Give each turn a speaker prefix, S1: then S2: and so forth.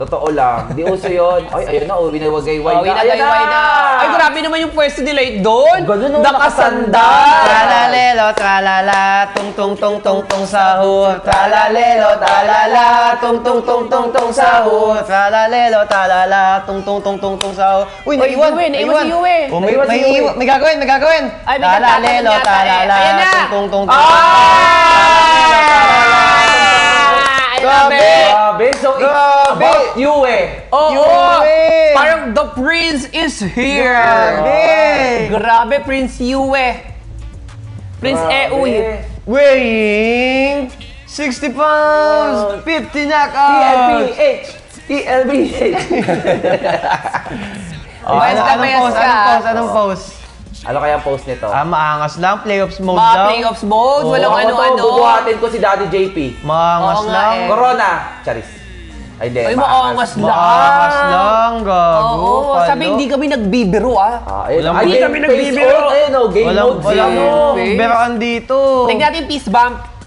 S1: Totoo lang. Di uso yun. Ay, ayun na. Winawagayway na.
S2: Winagayway na. Ay, grabe naman yung pwesto nila doon.
S1: Ganun, no,
S2: nakasandal.
S3: Tralalelo, tralala, tung tung tung tung tung sahur. Tralalelo, tralala, tung tung tung tung tung sahur. Tralalelo, tralala, tung tung tung tung tung sahur. Uy, naiwan si Yue. Oh, may gagawin, may gagawin.
S2: Ay, may kanta
S3: Tralalelo,
S2: yata eh.
S3: tralala,
S2: Ayan na.
S3: tung tung tung tung.
S1: Grabe. So, it's about you eh.
S2: Oo. Parang the prince is here. Grabe, Prince Yue. Prince Eui.
S3: Weighing 60 pounds, 50 knockouts.
S1: TLBH.
S3: Anong pose?
S1: Ano kaya ang post nito?
S3: Maangas lang, playoffs mode
S2: Mga
S3: lang.
S2: playoffs mode, walang
S1: Ako to,
S2: ano-ano.
S1: bubuhatin ko si Daddy JP.
S3: Maangas
S2: Oo nga
S3: lang.
S2: eh.
S1: Corona. Charis. Ay, di.
S2: Ay, maangas lang.
S3: Maangas lang, gago.
S2: Oo,
S3: palo.
S2: sabi hindi kami nagbibiro
S1: Ayun.
S3: Walang
S1: Ay,
S3: game
S1: game
S2: kami
S1: face
S2: nagbibiro.
S1: on. Ayun, no, game
S3: Walang,
S1: mode.
S3: walang
S1: zero.
S2: face.
S3: beraan dito.
S2: Tingnan natin yung peace bump.